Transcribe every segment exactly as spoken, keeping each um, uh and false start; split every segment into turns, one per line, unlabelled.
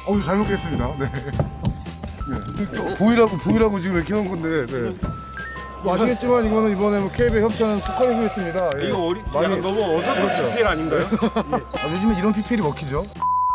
어우, 잘 먹겠습니다. 네. 네. 보이라고 보이라고 지금 이렇게 한 건데. 네. 뭐 아시겠지만 이거는 이번에 뭐 케이비에 협찬한 특허를 했습니다. 예.
이거 어리,
많이
약간 너무 어설픈
그렇죠.
피피엘 아닌가요?
예. 아, 요즘에 이런 피피엘이 먹히죠.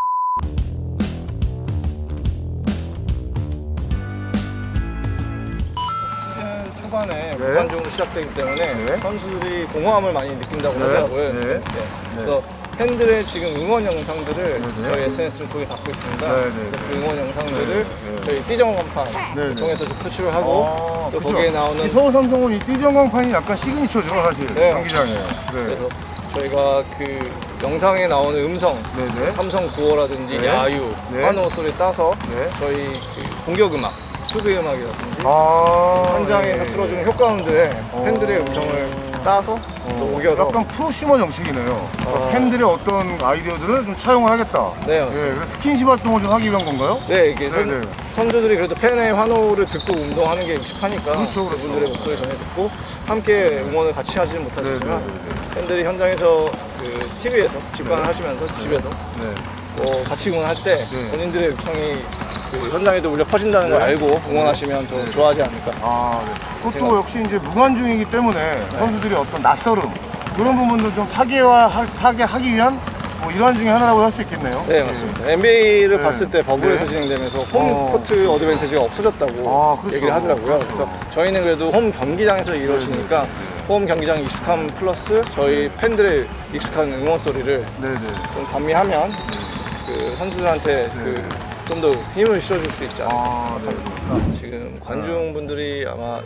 시즌 초반에
네.
무관중으로 시작되기 때문에
네.
선수들이 공허함을 많이 느낀다고
네.
하더라고요.
네.
네. 그래서 팬들의 지금 응원 영상들을
네.
저희 에스엔에스를 통해 받고 있습니다.
네. 네.
그래서 그 응원 영상들을
네.
저희 띠정원판
네.
통해서 좀 표출을 하고
아,
또
그죠.
거기에 나오는
이 서울 삼성은 이 띠정광판이 약간 시그니처죠, 사실.
네.
경기장에. 네.
그래서 저희가 그 영상에 나오는 음성,
네네.
삼성 구호라든지
네.
야유,
네.
환호 소리 따서
네.
저희 그 공격 음악, 수비 음악이라든지
아,
현장에서
네.
틀어주는 효과음들의
어.
팬들의 음성을 따서 또 옮겨서
약간 프로슈머 정책이네요. 그러니까
아.
팬들의 어떤 아이디어들을 좀 차용을 하겠다.
네, 맞습니다.
그래서 스킨십 활동을 좀 하기 위한 건가요?
네, 이게
네, 네.
선, 선수들이 그래도 팬의 환호를 듣고 운동하는 게 익숙하니까
그렇죠, 그렇죠.
그분들의 목소리 전해 듣고 함께 응원을 같이 하지는 못하시지만
네, 네, 네,
팬들이 현장에서 그 티비에서 직관을
네.
하시면서 집에서
네.
뭐 같이 응원할 때
네.
본인들의 육성이 그 현장에도 울려 퍼진다는 걸
네.
알고 응원하시면 더
네.
좋아하지 않을까.
아, 네. 그것도
제가-
역시 이제 무관중이기 때문에 선수들이 어떤 낯설음 그런 부분도 좀 타개와 타개하기 위한 뭐 일환 중에 하나라고 할 수 있겠네요.
네, 맞습니다. 엔비에이를
네.
봤을 때 버블에서
네.
진행되면서
어.
홈코트 어드밴티지가 없어졌다고
아, 그렇죠.
얘기를 하더라고요.
그렇죠.
그래서 저희는 그래도 홈 경기장에서 이루어지니까 홈 경기장 익숙함 플러스 저희 팬들의 익숙한 응원 소리를
네네.
좀 감미하면 그 선수들한테 그 좀 더 힘을 실어줄 수 있지 않을까.
아, 네.
지금 관중분들이 아마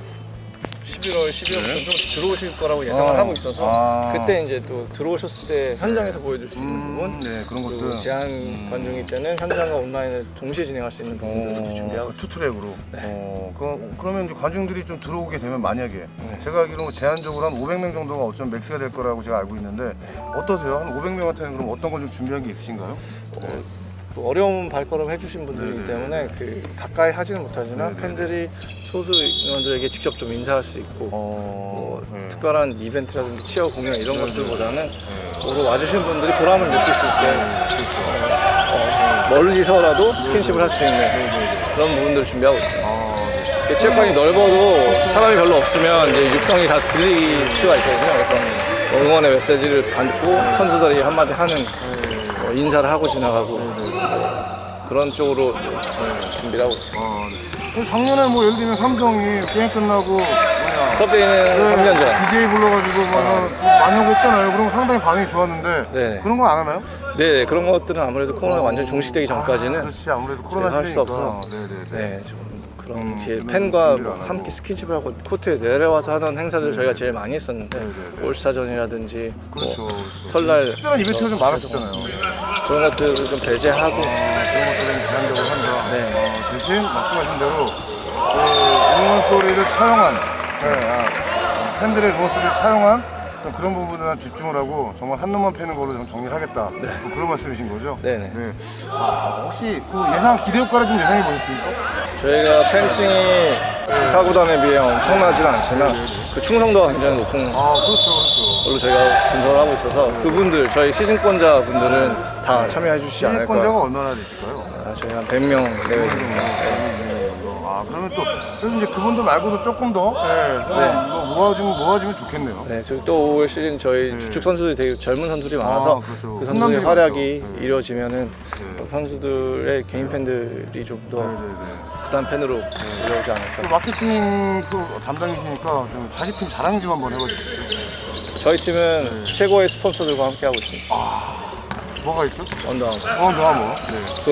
십일월, 십이월부터 좀 들어오실 거라고 예상을
아.
하고 있어서
아.
그때 이제 또 들어오셨을 때 현장에서 보여줄 수 있는
음,
부분
네, 그런
그리고
것들.
제한 관중일 때는 현장과 온라인을 동시에 진행할 수 있는 부분들을
어,
준비하고
그
있습니다.
투트랙으로.
네.
어, 그, 그러면 이제 관중들이 좀 들어오게 되면 만약에 제가 알기로 제한적으로 한 오백 명 정도가 어쩌면 맥스가 될 거라고 제가 알고 있는데 어떠세요? 한 오백 명한테는 그럼 어떤 걸 좀 준비한 게 있으신가요?
어, 또 어려운 발걸음 해주신 분들이기
네네.
때문에 그 가까이 하지는 못하지만
네네.
팬들이 소수 인원들에게 직접 좀 인사할 수 있고
어,
뭐
네.
특별한 이벤트라든지 치어 공연 이런 것들보다는 보러 와주신 분들이 보람을 느낄 수 있게 어, 멀리서라도 스킨십을 할 수 있는 그런 부분들을 준비하고 있습니다.
아, 네.
이게 체육관이 넓어도 사람이 별로 없으면 이제 육성이 다 들릴 수가 있거든요. 그래서 응원의 메시지를 받고 선수들이 한마디 하는 뭐 인사를 하고 지나가고 그런 쪽으로 준비를 하고 있습니다.
아, 네. 그럼 작년에 뭐 예를 들면 삼성이 게임 끝나고 뭐냐
클럽데이는 삼 년 전.
디제이 불러가지고 뭐 많이 하고 했잖아요. 그런 거 상당히 반응이 좋았는데
네.
그런 거 안 하나요?
네, 그런 것들은 아무래도 코로나가 완전히 종식되기 전까지는
아, 그렇지 아무래도 코로나
할 수
시대니까.
없어서
네네네.
네, 좀 그런
음,
기회,
그런
팬과
준비를 안 하고.
함께 스킨십을 하고 코트에 내려와서 하던 행사들을 저희가 제일 많이 했었는데
네네네.
올스타전이라든지
그렇죠.
뭐
그렇죠.
설날
특별한 이벤트가 좀 많았었잖아요.
그런 것들을 좀 배제하고
아, 그런 것들은 제한적으로 한다.
네.
어, 대신 말씀하신 대로 그 응원 소리를 차용한 네, 아, 팬들의 응원 소리를 차용한 어떤 그런 부분에 집중을 하고 정말 한 놈만 패는 걸로 좀 정리를 하겠다. 뭐 그런 말씀이신 거죠?
네네.
네. 아, 혹시 그 예상 기대 효과를 좀 예상해 보셨습니까?
저희가 팬층이 기타 구단에 비해 엄청나지는 않지만 그 충성도가 굉장히 높은
아, 그렇죠, 그렇죠.
걸로 저희가 분석을 하고 있어서 그분들 저희 시즌권자 분들은 다 참여해 주시지 않을까.
시민권자가 얼마나 되실까요?
아, 저희 한 백 명 내외 됩니다.
아, 그러면 또 그래서 이제 그분들 말고도 조금 더 네, 좀
네.
뭐 모아주면 모아주면 좋겠네요.
네, 저희 또 올 시즌 저희 주축 선수들이 되게 젊은 선수들이 많아서
아, 그렇죠.
그 선수들의
훈남들이
활약이
많죠. 네.
이루어지면은 선수들의 개인 팬들이 좀 더
네네네.
부담 팬으로 이루어지지 않을까.
그 마케팅 그 담당이시니까 좀 자기 팀 자랑 좀 한번 해봐주세요.
저희 팀은 최고의 스폰서들과 함께 하고 있습니다.
뭐가 있죠?
언더아머,
어, 너가 뭐? 네.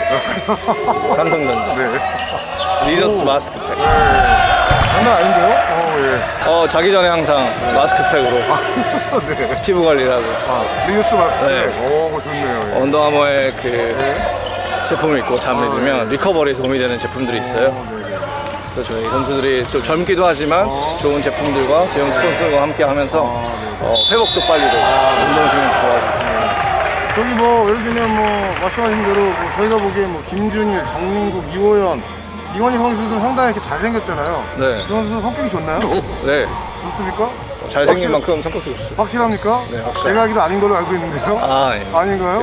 도이치모터, 삼성전자,
네.
리더스 마스크팩.
장난 아닌데요? 어, 예.
어, 자기 전에 항상 마스크팩으로
네.
피부 관리를 하고
아, 리우스 마스크.
네.
오, 그거 좋네요. 예.
언더아머의 그 제품을 입고 잠을 들면 리커버리에 도움이 되는 제품들이 있어요.
어, 네네.
그래서 저희 선수들이 좀 젊기도 하지만 좋은 제품들과 제형 스폰서와 함께 하면서 어, 회복도 빨리 되고 운동신경도 좋아지고.
저기 뭐 예를 들면 뭐 말씀하신 대로 뭐 저희가 보기에 뭐 김준일, 정민국, 이호연, 이건희 선수들은 상당히 이렇게 잘생겼잖아요.
네.
그 선수는 성격이 좋나요?
네,
좋습니까?
잘생긴
확실-
만큼 성격도 좋습니다.
확실합니까?
네, 확실합니다.
제가 알기로 아닌 걸로 알고 있는데요.
아, 아닙니다.
아닌가요?
예.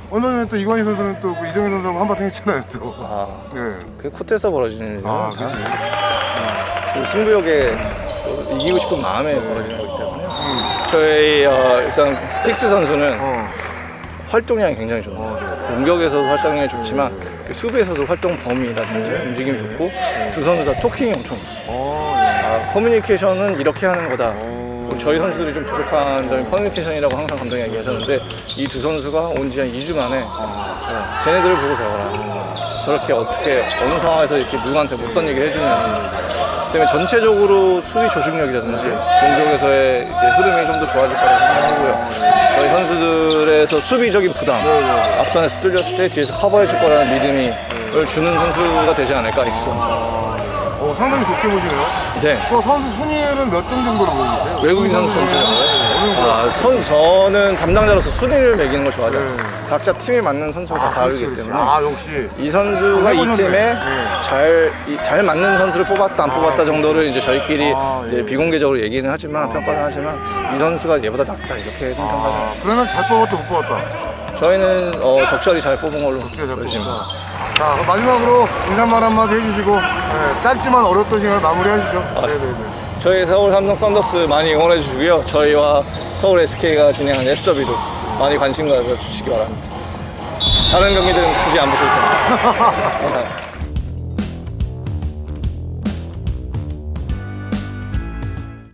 얼마 전에 또 이관희 선수는 또 그 이정현 선수하고 한바탕 했잖아요 또.
아,
네.
그 코트에서 벌어지는 일이죠.
아, 그치.
그 승부욕에 또 이기고 싶은 마음에 벌어지는 거기 때문에 저희 어, 일단 힉스 선수는
어.
활동량이 굉장히 좋았어요. 공격에서도 활동량이 좋지만 그 수비에서도 활동 범위라든지 움직임이 좋고 두 선수 다 토킹이 엄청 좋습니다.
어, 네.
아, 커뮤니케이션은 이렇게 하는 거다. 저희 선수들이 좀 부족한 점이 커뮤니케이션이라고 항상 감독이 얘기하셨는데 이 두 선수가 온 지 한 이 주 만에 어, 쟤네들을 보고 배워라. 저렇게 어떻게 어느 상황에서 이렇게 누구한테 어떤 얘기를 해주는지 그 때문에 전체적으로 수비 조직력이라든지 공격에서의 이제 흐름이 좀 더 좋아질 거라고 생각하고요. 저희 선수들에서 수비적인 부담 앞선에서 뚫렸을 때 뒤에서 커버해 줄 거라는 믿음이 을 주는 선수가 되지 않을까 엑스 선수.
어, 상당히 좋게 보시네요.
네.
그 선수 순위에는 몇 등 정도로 보이세요?
외국인 선수 전체요. 아, 선, 저는 담당자로서 순위를 매기는 걸 좋아하지 않습니다. 각자 팀에 맞는 선수가 다 다르기
그렇지, 그렇지.
때문에
아, 역시.
이 선수가 이
해보셨네.
팀에
네.
잘, 이- 잘 맞는 선수를 뽑았다 안 뽑았다 정도를 이제 저희끼리
아,
이제
예.
비공개적으로 얘기는 하지만 평가는 하지만 이 선수가 얘보다 낫다 이렇게는 평가하지 않습니다.
그러면 잘 뽑았다 못 뽑았다.
저희는 어, 적절히 잘 뽑은 걸로
어떻게 잘
열심히.
뽑았다. 자, 그럼 마지막으로 인사말 한마디 해주시고 네, 짧지만 어렵던 시간을 마무리하시죠.
아,
네네네.
저희 서울 삼성 썬더스 많이 응원해 주시고요. 저희와 서울 에스케이가 진행한 에스더비도 많이 관심 가져주시기 바랍니다. 다른 경기들은 굳이 안 보셔도 됩니다. 감사합니다.